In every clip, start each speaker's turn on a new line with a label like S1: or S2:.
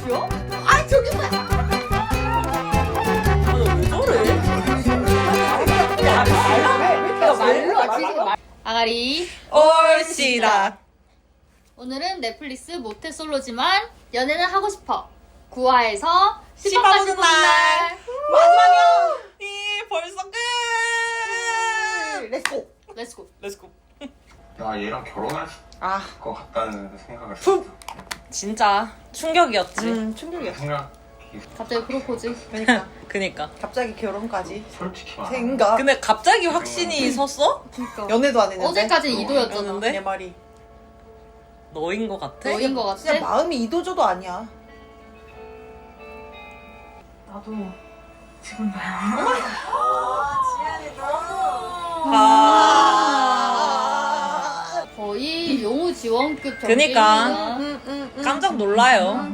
S1: 큐야?
S2: 아 저기 뭐야?
S3: 왜 저래?
S1: 아가리.
S3: 올시다.
S1: 오늘은 넷플릭스 모태솔로지만 연애는 하고 싶어 9화에서 10화까지
S3: 10화
S1: 보는
S3: 보는
S1: 날.
S2: 마지막이야.
S3: 벌써 끝.
S2: 렛츠고.
S1: 렛츠고.
S3: 렛츠고.
S4: 나 얘랑 결혼할
S2: 아,
S4: 것 같다는 생각을 했어.
S3: 진짜 충격이었지.
S2: 충격이었어.
S4: 생각이
S1: 갑자기 프로포즈.
S2: 그러니까
S3: 그니까.
S2: 갑자기 결혼까지
S4: 솔직히 말하면
S2: 생각.
S3: 근데 갑자기 확신이 섰어?
S1: 그러니까.
S2: 연애도 안 했는데.
S1: 어제까지 이도였잖아.
S3: 였는데?
S2: 내 말이.
S3: 너인 것 같아?
S1: 너인 거 같아?
S2: 진짜 마음이 이도저도 아니야.
S5: 나도 지금 봐요.
S3: 아.
S1: 거의 용우 지원급
S3: 그니까. 깜짝 놀라요.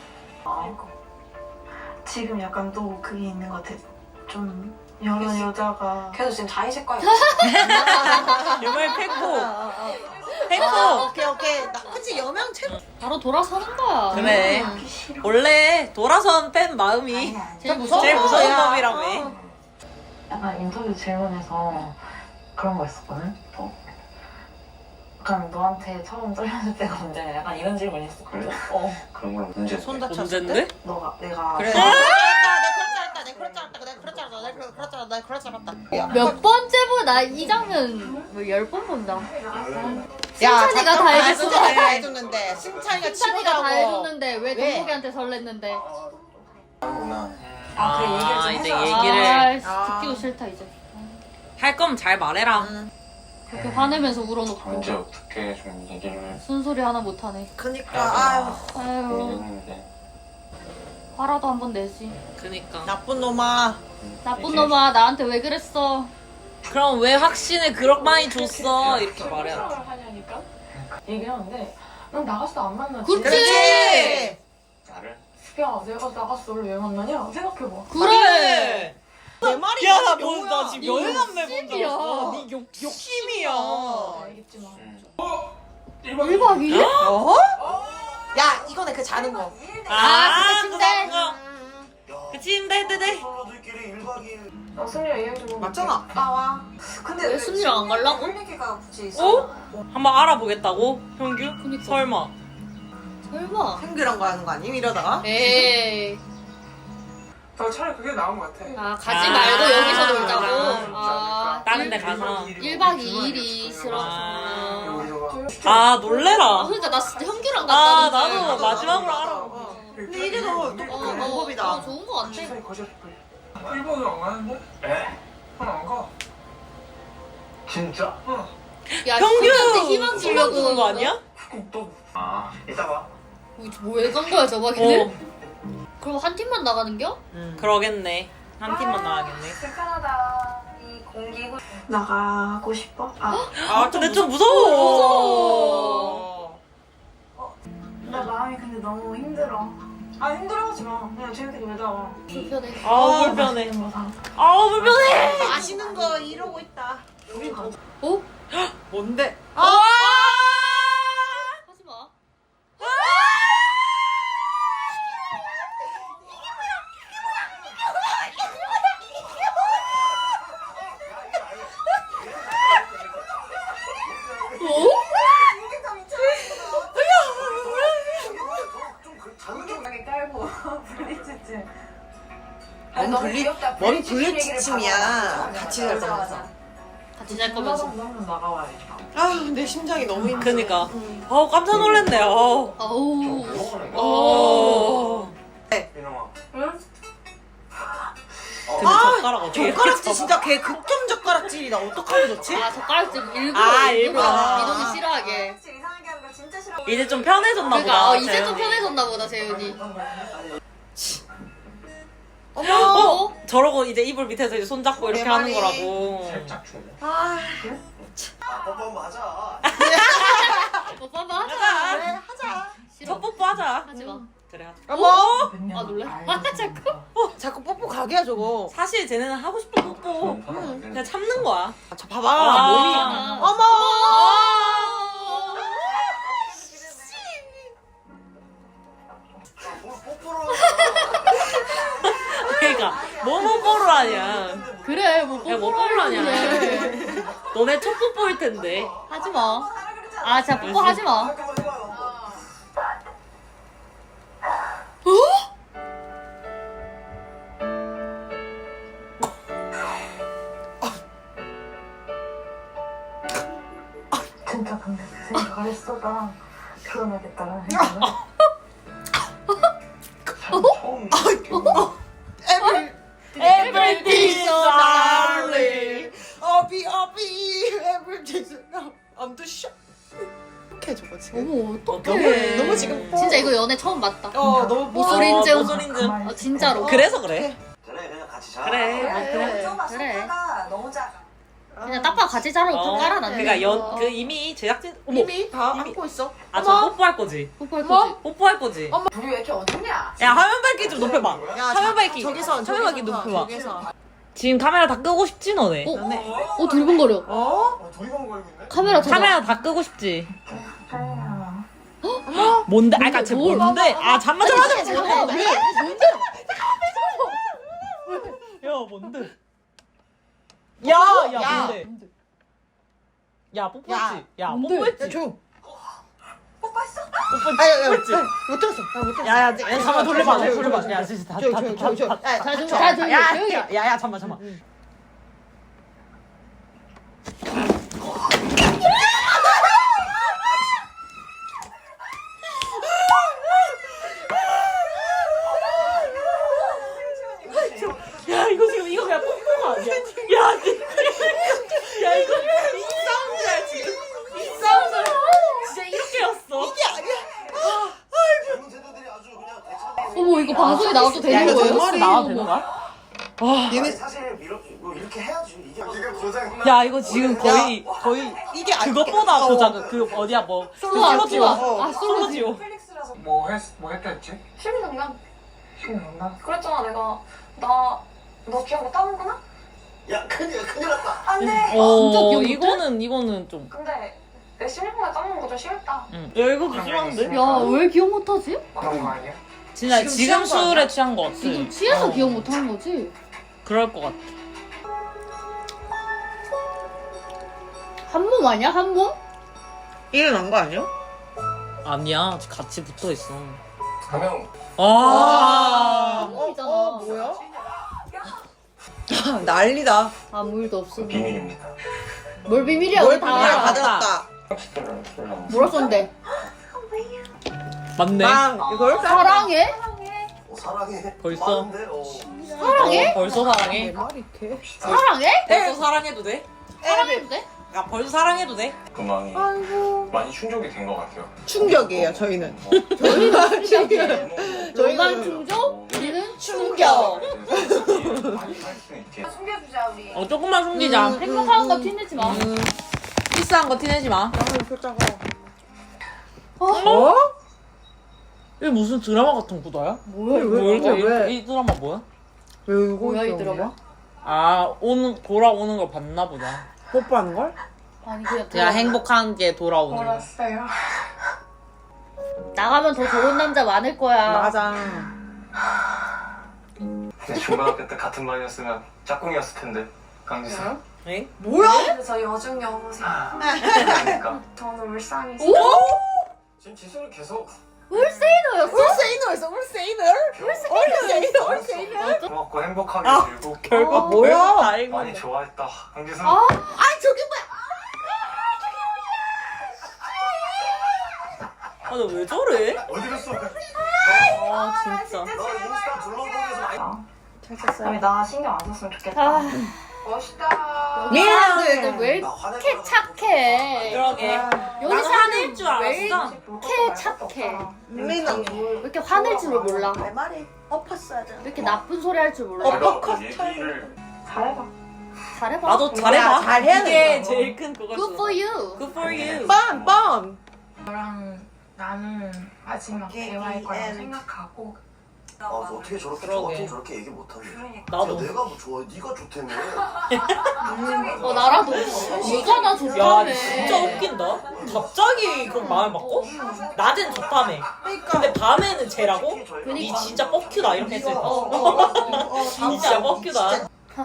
S5: 지금 약간 또 그게 있는 것 같아. 좀 여러 여자가
S6: 걔도 지금 자의식과야.
S3: 유물 팩고. 팩고.
S2: 오케이. 나 그치 여명 채.
S1: 바로 돌아서는 거야.
S3: 그래.
S5: 하기 싫어.
S3: 원래 돌아선 팬 마음이
S5: 아니야.
S1: 제일 무서워.
S3: 제일 무서운
S2: 야.
S3: 법이라며.
S6: 약간 인터뷰 질문에서 그런 거 있었거든? 약간 너한테 처음 떨렸을 때가 언제? 약간 이런 질문 있었거든?
S4: 그래?
S6: 어.
S4: 그런 걸 문제.
S2: 손 다쳤을
S3: 문제인데?
S2: 때?
S6: 내가.
S2: 그래.
S3: 아!
S2: 나 그럴 줄 알았다.
S1: 몇 번째 보나 이 장면 뭐 10번 본다.
S2: 야,
S1: 승찬이가 다 해줬어.
S2: 승찬이가 다 해줬는데. 승찬이가
S1: 승찬이가 다
S2: 친구라고.
S1: 해줬는데 왜
S2: 왜?
S1: 동국이한테 설렜는데?
S4: 구나.
S6: 아, 그래, 얘기를 좀
S3: 이제
S6: 해줘.
S3: 얘기를
S1: 아, 듣기도 싫다 이제.
S3: 할 거면 잘 말해라.
S1: 그렇게 화내면서 울어놓고
S4: 언제 어떻게 좀 얘기를
S1: 쓴소리 하나 못하네.
S2: 그니까 아유
S1: 아유
S4: 했는데
S1: 화라도 한번 내지.
S3: 그니까.
S2: 나쁜 놈아.
S1: 나쁜 놈아 나한테 왜 그랬어?
S3: 그럼 왜 확신을 그렇게 많이 줬어? 이렇게 말해야 돼.
S6: 생각을 하냐니까? 얘기하는데 난 나갔을 때 안 만나지.
S1: 그치?
S2: 그렇지.
S4: 나를
S6: 야, 내가 나갔어. 원래 왜 만나냐? 생각해봐.
S1: 그래.
S2: 내 말이
S3: 야, 나
S2: 뭐야?
S3: 뭐, 나 지금 여행 안내 본 적
S1: 욕심이야.
S3: 없어. 네 욕심이야.
S6: 알겠지만.
S1: 1박 2일?
S2: 어? 야 이거네 그 자는 거.
S1: 아, 그거 침대.
S3: 그 침대, 네.
S6: 나 승리랑 얘기 좀
S2: 맞잖아.
S6: 나와. 근데
S1: 왜 순이랑 안 가려고?
S6: 할 얘기가 굳이 있어?
S3: 어? 한번 알아보겠다고? 형규?
S1: 그니까.
S3: 설마.
S1: 설마.
S2: 생규랑 가는 거 아님 이러다가?
S1: 에이.
S7: 나 차라리 그게 나은 것 같아.
S1: 아 가지
S3: 아,
S1: 말고 여기서
S3: 아,
S1: 놀자고.
S3: 아, 다른 데 가서.
S1: 1박 2일이 싫어서.
S3: 아, 놀래라.
S1: 그러니까 나 진짜 현규랑
S3: 아,
S1: 갔다는데.
S3: 나도 마지막으로 알아.
S2: 근데 이게 더 똑똑한 방법이다.
S1: 좋은 거 같아.
S7: 일본은 안 가는데?
S4: 에?
S7: 안 가.
S4: 진짜?
S1: 야,
S3: 형규!
S1: 현규한테 희망
S3: 소망
S1: 주려고
S3: 주는 거 아니야?
S4: 아 이따 봐.
S1: 뭐왜 간 거야 저박이들?
S3: 어,
S1: 그럼 한 팀만 나가는겨?
S3: 그러겠네. 한 팀만 나가겠네.
S6: 불편하다. 이 공기 나가고 싶어?
S2: 아
S3: 근데 좀 무서워.
S6: 나 마음이 근데 너무 힘들어. 아 힘들어하지 마. 그냥 재밌게 놀자.
S1: 불편해.
S3: 아우, 불편해.
S6: 뭐 사.
S3: 아우, 불편해.
S2: 맛있는 거 이러고 있다.
S1: 어?
S2: 뭔데?
S3: 아!
S1: 하지 마.
S6: 자극적하게 깔고 분리치침.
S2: 뭔 분리치침이야. 같이 잘 거면서.
S1: 같이 잘 거면서.
S6: 한번 나가봐야겠다.
S2: 아내 심장이 너무 힘들어.
S3: 그니까. 아우, 깜짝 놀랐네. 아우.
S1: 아우.
S3: 어.
S4: 이놈아.
S6: 응?
S3: 근데 젓가락 어떻게
S2: 젓가락질 진짜 걔 극점 젓가락질이다. 어떡하면 좋지?
S1: 아 젓가락질 일부러
S3: 아,
S1: 일부러
S3: 일부러.
S1: 이동이 싫어하게.
S6: 이상하게 하는 거 진짜 싫어.
S3: 이제 좀 편해졌나
S1: 그러니까
S3: 보다.
S1: 이제 좀
S3: 재현이.
S1: 편해졌나 보다 재윤이.
S2: 어머.
S1: 어?
S3: 저러고 이제 이불 밑에서 이제 손잡고 이렇게
S2: 내
S3: 하는
S2: 말이.
S3: 거라고.
S4: 살짝 주네.
S2: 아
S4: 뻔뻔 맞아.
S1: 오빠 한번 하자.
S2: 그래 하자.
S1: 싫어.
S3: 첫 뽀뽀 하자.
S1: 하지 마.
S3: 그래 하자.
S2: 어머.
S1: 아 놀래? 아 자꾸.
S2: 자꾸 뽀뽀 가게야 저거.
S3: 사실 쟤네는 하고 싶은 뽀뽀. 그냥 참는 거야.
S2: 저 봐봐
S3: 아.
S2: 몸이. 어머.
S4: 뽀뽀를
S3: 아니야.
S1: 그래 뭐
S3: 야, 뭐
S1: 뽀뽀를
S3: 뽀뽀하냐.
S1: 하냐.
S3: 너네 첫 뽀뽀일 텐데.
S1: 하지 마. 아 진짜 뽀뽀 하지 마.
S4: 잠깐만 해봐요.
S5: 진짜 근데 그 생각을 했어. 나 결혼하겠다라는 생각을.
S4: 처음
S2: Everything's so darling. 어비 everything's so I'm too shy. 어떡해 저거 지금.
S1: 어머 어떡해.
S2: 너무 지금
S1: 진짜 이거 연애 처음 봤다.
S2: 너무
S1: 모쏠인증.
S3: 모쏠인증.
S1: 진짜로.
S3: 그래서 그래.
S4: 그래 그냥 같이 자.
S3: 그래.
S2: 그래.
S1: 그래.
S6: 너무 작아.
S1: 그냥 딱봐 같이 자라고 깔아놨네.
S3: 그러니까 그 이미 제작진 어머.
S2: 이미 다 안고 있어.
S3: 아, 저 뽀뽀할 거지.
S1: 뽀뽀할
S2: 뭐?
S1: 거지.
S3: 뽀뽀할 거지.
S6: 둘이 왜 이렇게 어둡냐?
S3: 야, 화면 밝기 좀 높여봐.
S2: 야,
S3: 화면 밝기.
S2: 저기서
S3: 화면 밝기 높여봐.
S2: 저기서.
S3: 지금 카메라 다 끄고 싶지 너네.
S1: 두리번거려.
S4: 두리번 걸고 있네.
S1: 카메라 켜봐.
S3: 카메라 다 끄고 싶지.
S5: 그래요.
S3: 뭔데? 아까 쟤 뭔데? 아 잠만.
S1: 잠깐만 왜? 뭔데?
S3: 야 뭔데? 야 뭔데? 야 뽀뽀했지? 야
S1: 뭔데?
S3: 뽀뽀했지?
S2: 조용.
S6: 뽀뽀했어?
S2: 아야
S3: 뽀뽀했지?
S2: 못 들었어. 나못 들었어.
S3: 야야 잠깐 돌려봐.
S2: 조용,
S3: 돌려봐.
S2: 조용,
S3: 야 진짜
S2: 조용, 조용, 조용. 야,
S1: 자, 좀,
S2: 자,
S1: 자, 조용히 해,
S3: 야,
S1: 조용히 해.
S3: 야, 잠만. 야, 이거 지금 이거 그냥 뽀뽀가 아니야. 야, 이거
S2: 사운드야 지금.
S3: 진짜 이렇게였어.
S4: 젊은 세대들이 아주 그냥 대처.
S1: 어머 이거 방송에 나와도
S3: 야,
S1: 되는
S3: 이거
S1: 거예요?
S3: 정말이 나와도 되는 거야?
S4: 얘네 사실 이렇게 해야지. 이게 네가 고장.
S3: 야, 이거 지금 거의
S2: 이게
S3: 그것보다 고작 그 어디야 뭐
S1: 솔로지오.
S3: 솔로지오. 솔로지오.
S6: 펠릭스라서
S7: 뭐 했다 했지?
S6: 심리정당.
S7: 신난다.
S6: 그랬잖아 내가 너 기억 못하는구나?
S4: 야 큰일 났다.
S6: 안돼.
S1: 진짜 기억 못해?
S3: 이거는 좀.
S6: 근데 내 심리보다 짜는 거 좀 심했다.
S3: 야, 이거 좀 심한데?
S1: 야 왜 기억 못하지?
S7: 그런 거 아니야?
S3: 진짜
S2: 지금
S3: 지금
S2: 취한 거 아니야?
S3: 술에 취한 거 같아.
S1: 지금 취해서 기억 못하는 거지?
S3: 그럴 것 같아.
S1: 한 몸 아니야 한 몸?
S2: 일어난 거 아니야?
S3: 아니야, 같이 붙어 있어.
S4: 가명.
S3: 아.
S1: 몸이잖아.
S2: 뭐야? 난리다.
S1: 아무 일도 없어.
S4: 비밀입니다.
S1: 뭘 비밀이야?
S2: 뭘
S1: 우리 다
S2: 비밀이야?
S1: 알아.
S2: 다 들었다.
S1: 뭐라 썼는데?
S3: 맞네.
S2: 빵 이걸
S1: 사랑해?
S4: 사랑해.
S3: 벌써?
S4: 많은데,
S1: 사랑해?
S3: 벌써 사랑해?
S2: 말이 개.
S1: 사랑해?
S3: 벌써 사랑해도 돼?
S1: 사랑해도 돼?
S3: 야, 벌써 사랑해도 돼?
S4: 그만이
S2: 아이고.
S4: 많이 충족이 된 것 같아요.
S2: 충격이에요 저희는.
S1: 저희는
S2: 저희는
S1: 너만 충족? 우리는 충격.
S4: 많이 갈 수 있게.
S6: 숨겨주자 우리.
S3: 조금만 숨기자.
S1: 행복한 거 티내지 마.
S3: 비싼 거 티내지 마.
S2: 양을 표자가.
S3: 어? 이게 무슨 드라마 같은 구도야?
S1: 뭐야
S2: 왜?
S3: 이 드라마 뭐야?
S2: 왜 울고
S1: 뭐야
S2: 있어?
S1: 이 드라마?
S3: 아, 돌아오는 걸 봤나 보다.
S2: 뽀뽀하는 걸?
S1: 아니 그냥
S3: 야,
S1: 드라마.
S3: 행복한 게 돌아오는 거.
S6: 몰랐어요.
S1: 나가면 더 좋은 남자 많을 거야.
S2: 맞아.
S4: 근데 중고등학교 때 같은 반이었으면 짝꿍이었을 텐데. 강지수.
S3: 에?
S2: 뭐야?
S6: 근데 저 여중 여고생.
S4: 그러니까.
S6: 저는 울산이서.
S4: 지금 지수는 계속
S1: 울세이너였어?
S2: 울세이너였어 울세이너? 울세이너?
S4: 고맙고 행복하게 즐고
S3: 결국
S2: 뭐야?
S3: 다행이다.
S4: 많이 좋아했다. 강지수.
S2: 아 저기 뭐야?
S3: 아, 너 왜 저래?
S4: 어디 갔어?
S3: 아, 진짜.
S4: 너 인스타 블로그에서 많이
S2: 잘 쳤어요.
S6: 아니 나 신경 안 썼으면 좋겠다.
S1: 아,
S6: 멋있다.
S1: 미안한데 왜
S4: 나 화낼
S1: 이렇게
S4: 거라고.
S1: 착해?
S3: 그러게.
S1: 여기
S3: 나도 화낼 줄
S1: 왜
S3: 알았어.
S1: 이렇게 착해?
S2: 민언
S1: 왜 이렇게 화낼 줄을 몰라?
S2: 내 말이 엎었어야 돼.
S1: 왜 이렇게 나쁜 소리 할 줄 몰라?
S4: 제가 그 얘기를
S6: 잘해봐.
S1: 잘해봐.
S3: 나도 잘해봐.
S2: 잘해야
S3: 이게
S2: 된다고.
S3: 제일 큰 그거였어.
S1: Good for you.
S3: Good for you.
S2: 뻔.
S6: 너랑 나는 마지막 대화일 거라고 생각하고.
S4: 저 어떻게 저렇게 저 같은 저렇게 얘기 못하냐.
S3: 나도.
S4: 내가 뭐 좋아해? 네가 좋다며.
S1: 나라도. 네가 나
S3: 야,
S1: 좋다며.
S3: 진짜 웃긴다. 갑자기 그럼 마음을 바꿔? 낮엔 좋다며.
S2: 그러니까.
S3: 근데 밤에는 쟤라고?
S4: 특히 저희가
S3: 니 진짜 뻑큐다 이렇게 했을 때.
S2: 진짜
S3: 진짜 뻑큐다.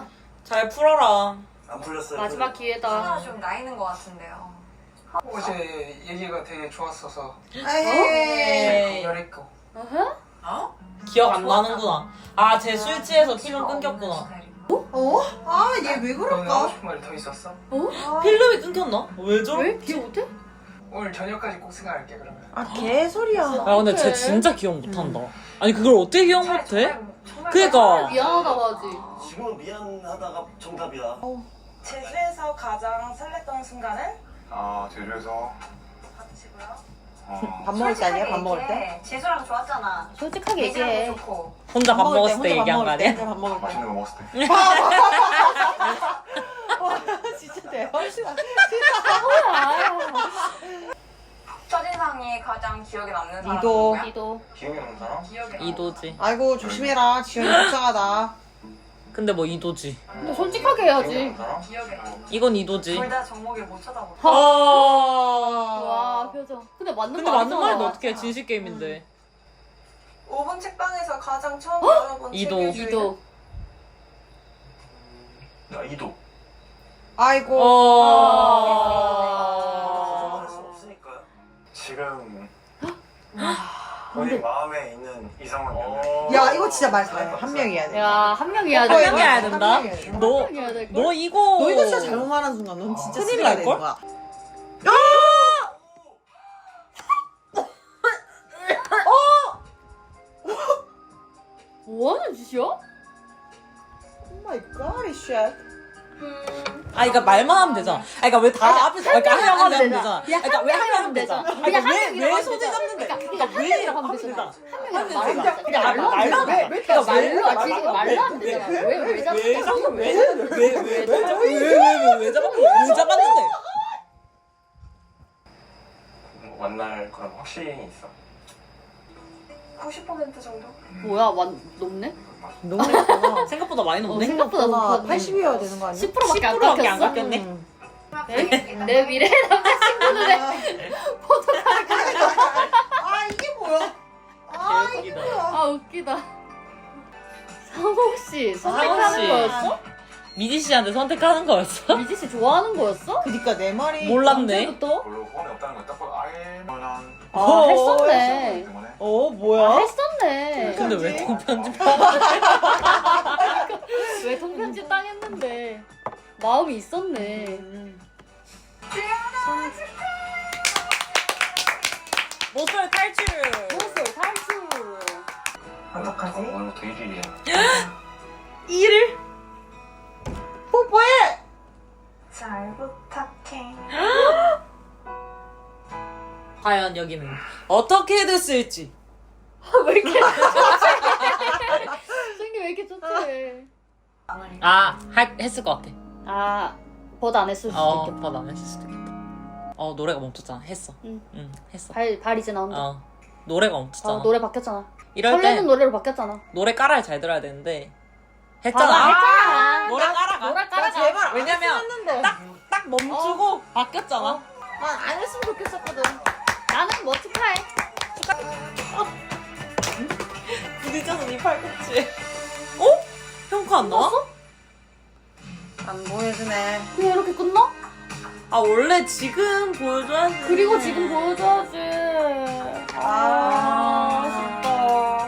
S3: 잘 풀어라.
S8: 안 풀렸어요.
S1: 마지막 기회다.
S6: 좀 나이는 것 같은데요.
S7: 어제 얘기가 되게 좋았어서
S2: 에이.
S7: 공연했고.
S1: 어허?
S3: 기억 안 나는구나. 아, 쟤 술 취해서 필름 끊겼구나.
S2: 어? 아, 얘 왜
S7: 너는
S2: 그럴까?
S7: 하고 싶은 말이 더 있었어?
S3: 필름이 끊겼나? 왜 저래?
S1: 왜? 기억 못해?
S7: 오늘 저녁까지 꼭 생각할게 그러면.
S2: 아, 개소리야.
S3: 야, 근데 쟤 진짜 기억 못한다. 아니, 그걸 어떻게 기억 못해? 그니까.
S1: 미안하다고 하지.
S8: 지금은 미안하다가 정답이야.
S6: 제주에서 가장 설렜던 순간은?
S4: 아 제주에서
S6: 같이고요.
S2: 밥 먹을 때 아니야? 밥 먹을 때?
S6: 제주랑 좋았잖아.
S1: 솔직하게 얘기해.
S6: 좋고.
S3: 혼자 밥 먹었을 때
S2: 혼자
S3: 얘기한 거
S2: 밥 먹을
S3: 아니야?
S2: 때, 밥 먹을 때.
S4: 맛있는 거 먹었을 때
S2: 와, 진짜 대박이다.
S6: 첫인상이 가장 기억에 남는 사람
S2: 이도.
S6: 누구야?
S1: 이도.
S4: 기억에 남는 사람?
S6: 기억에
S3: 이도지.
S2: 아이고, 조심해라. 지현이 불쌍하다.
S3: 근데 뭐 이도지.
S1: 근데 솔직하게
S4: 기억에
S1: 해야지.
S4: 남는 사람?
S6: 기억에 남는
S3: 이건 이도지.
S6: 둘다 정목을 못 쳐다보고
S3: 아.
S1: 와, 표정. 근데 맞는
S3: 근데
S1: 거
S3: 맞는
S1: 아니잖아.
S3: 말도 어떻게 해? 진실 게임인데.
S6: 5분 책방에서 가장 처음 열어본
S3: 이도.
S6: 책의 주인은?
S1: 이도.
S4: 나 이도.
S2: 아이고.
S8: 거절할 수 없으니까요.
S4: 지금 본인 마음에 있는 이성은 몇 명?
S2: 야, 이거 진짜 말 잘해. 한 명이 해야 돼.
S1: 야, 한 명 해야 돼.
S3: 한 명이 해야 된다?
S2: 한 명이 해야 돼.
S3: 너,
S1: 한 명 해야 될 걸.
S3: 너 이거.
S2: 너 이거 진짜 잘못 말하는 순간 넌 진짜
S3: 큰일
S2: 쓰레기가
S3: 날걸?
S2: 되는 거야.
S1: 뭐 하는 짓이야?
S2: 오 마이 갓, 이 쉣.
S3: 아, 그러니까 말만 하면 되잖아. 아, 그러니까 왜 다 앞에서 그러니까 한 명 하면 되잖아.
S1: 그냥
S3: 그러니까
S1: 한
S3: 왜 한 명
S1: 명이라고
S3: 하면 되잖아.
S1: 그냥
S3: 그러니까
S1: 한 명이라고
S3: 왜
S1: 하면
S3: 손을
S1: 되잖아.
S3: 잡는데?
S1: 그러니까
S3: 왜
S1: 한 명이라고 하면
S3: 하면
S1: 되잖아.
S3: 되잖아.
S1: 한 명이라고 말하면 되잖아. 그냥 말로 하면
S3: 말로
S1: 되잖아.
S3: 하면
S1: 그러니까
S3: 되잖아.
S1: 말로
S3: 왜?
S1: 하지. 말로 하면 되잖아. 왜 잡았어?
S3: 왜 잡았는데?
S4: 뭐 만날 그런 확신이 있어?
S6: 90% 정도?
S1: 뭐야, 높네?
S2: 너무 예쁘다.
S3: 생각보다 많이 높네.
S1: 생각보다 높았네.
S2: 80이어야 되는 거 아니야?
S1: 10%밖에 안
S3: 10%밖에 안
S1: 깎였어?
S3: 깎였네.
S2: 응.
S1: 내 미래 남자친구들의 포토카드.
S2: 아, 이게 뭐야? 아, 이게
S3: 개웃기다.
S2: 뭐야?
S1: 아, 웃기다. 상호 씨
S3: 상호
S1: 선택하는
S3: 씨.
S1: 거였어?
S3: 미지 씨한테 선택하는 거였어?
S1: 미지 씨 좋아하는 거였어?
S2: 그니까 내 말이.
S3: 몰랐네.
S1: 언제부터?
S4: 별로 호감이 없다는 걸 딱 보고 아예 뻔한
S1: 아, 했었네.
S4: 때문에
S2: 뭐야?
S1: 했었네.
S3: 근데 왜 통편집?
S1: 왜 통편집 당했는데? 마음이 있었네.
S3: 모쏠 탈출.
S1: 무엇을 탈출.
S7: 어떡하지?
S4: 오늘부터 1일이야.
S3: 1일?
S2: 뽀뽀해!
S6: 잘 부탁해.
S3: 과연 여기는 어떻게 됐을지.
S1: 왜 이렇게 좋지? 생기 왜 이렇게 좋지?
S3: 아, 했을 것 같아.
S1: 아, 버드 안 했을 수도 있겠다.
S3: 안 했을 수도 있겠다. 노래가 멈췄잖아. 했어.
S1: 응.
S3: 했어.
S1: 발 이제 나온다.
S3: 노래가 멈췄잖아.
S1: 노래 바뀌었잖아.
S3: 이럴
S1: 설레는
S3: 때
S1: 노래로 바뀌었잖아.
S3: 노래 깔아야 잘 들어야 되는데
S1: 맞아,
S3: 했잖아.
S1: 했잖아.
S3: 노래 깔아가.
S1: 노래 깔아가.
S2: 제발.
S3: 왜냐면
S2: 했는데.
S3: 딱 멈추고 바뀌었잖아.
S2: 난 안 했으면 좋겠었거든.
S1: 나는 뭐 축하해.
S3: 부딪혀서 네 팔꿈치에. 어? 평가 안 나와?
S2: 안 보여주네.
S1: 그냥 이렇게 끝나?
S3: 아, 원래 지금 보여줘야지.
S1: 그리고 지금 보여줘야지. 아쉽다.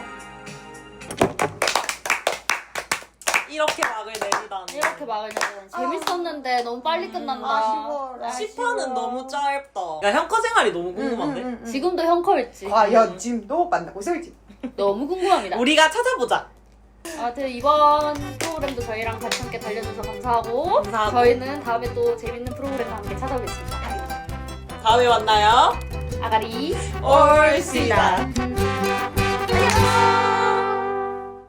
S3: 이렇게 막을 내리다니.
S1: 이렇게 막을 내는 재밌었는데 너무 빨리 끝난다.
S2: 아쉬워라.
S3: 10화는 너무 짧다. 야, 형커 생활이 너무 궁금한데?
S1: 지금도 형컬지.
S2: 과연 지금 너 만나고 있을지.
S1: 너무 궁금합니다.
S3: 우리가 찾아보자.
S1: 아무튼 이번 프로그램도 저희랑 같이 함께 달려주셔서 감사하고,
S3: 감사하고.
S1: 저희는 다음에 또 재밌는 프로그램과 함께 찾아오겠습니다.
S3: 다음에 만나요.
S1: 아가리
S3: 올시다.
S1: 안녕.